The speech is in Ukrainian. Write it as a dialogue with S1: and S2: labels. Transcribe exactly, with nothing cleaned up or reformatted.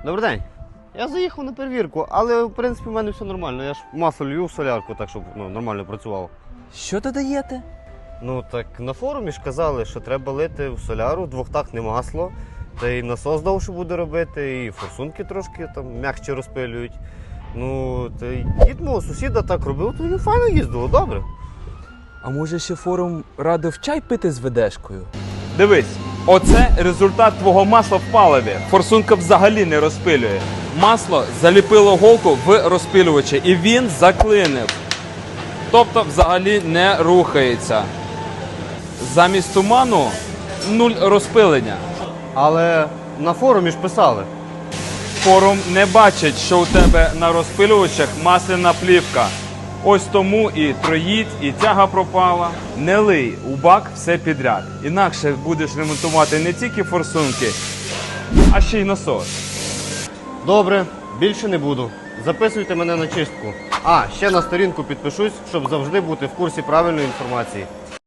S1: Добрий день. Я заїхав на перевірку, але в принципі в мене все нормально. Я ж масло лью в солярку, так щоб ну, нормально працювало.
S2: Що додаєте?
S1: Ну так на форумі ж казали, що треба лити в соляру двохтактне масло, та й насос довше буде робити, і форсунки трошки там м'якше розпилюють. Ну, та й дід мого сусіда так робив, то він файно їздило, добре.
S2: А може ще форум радив чай пити з ведешкою?
S3: Дивись, оце результат твого масла в паливі. Форсунка взагалі не розпилює. Масло заліпило голку в розпилювачі і він заклинив. Тобто взагалі не рухається. Замість туману нуль розпилення.
S1: Але на форумі ж писали.
S3: Форум не бачить, що у тебе на розпилювачах масляна плівка. Ось тому і троїть, і тяга пропала. Не лий у бак все підряд. Інакше будеш ремонтувати не тільки форсунки, а ще й насос.
S1: Добре, більше не буду. Записуйте мене на чистку. А, ще на сторінку підпишусь, щоб завжди бути в курсі правильної інформації.